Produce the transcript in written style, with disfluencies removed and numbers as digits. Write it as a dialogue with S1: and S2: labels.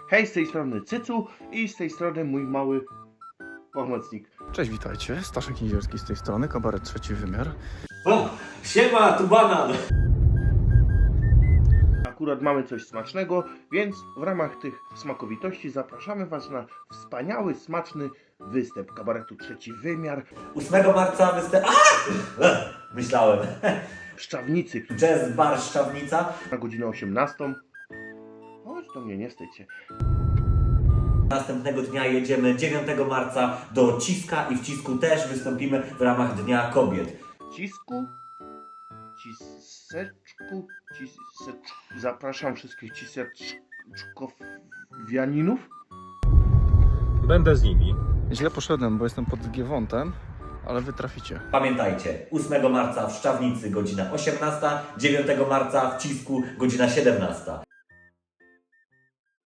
S1: Hej, z tej strony Cycu i z tej strony mój mały pomocnik.
S2: Cześć, witajcie. Staszek Nizierski z tej strony, kabaret Trzeci Wymiar.
S3: O, siema, tu banan!
S1: Akurat mamy coś smacznego, więc w ramach tych smakowitości zapraszamy Was na wspaniały, smaczny występ kabaretu Trzeci Wymiar
S3: 8 marca myślałem.
S1: w Szczawnicy
S3: Jazz Bar Szczawnica.
S1: na godzinę 18. Chodź do mnie, nie wstydź się.
S3: Następnego dnia jedziemy 9 marca do Ciska i w Cisku też wystąpimy w ramach Dnia Kobiet.
S1: Ciseczku. Zapraszam wszystkich ciseczkowianinów.
S4: Będę z nimi.
S2: Źle poszedłem, bo jestem pod Giewontem, ale wy traficie.
S3: Pamiętajcie, 8 marca w Szczawnicy godzina 18, 9 marca w Cisku godzina 17.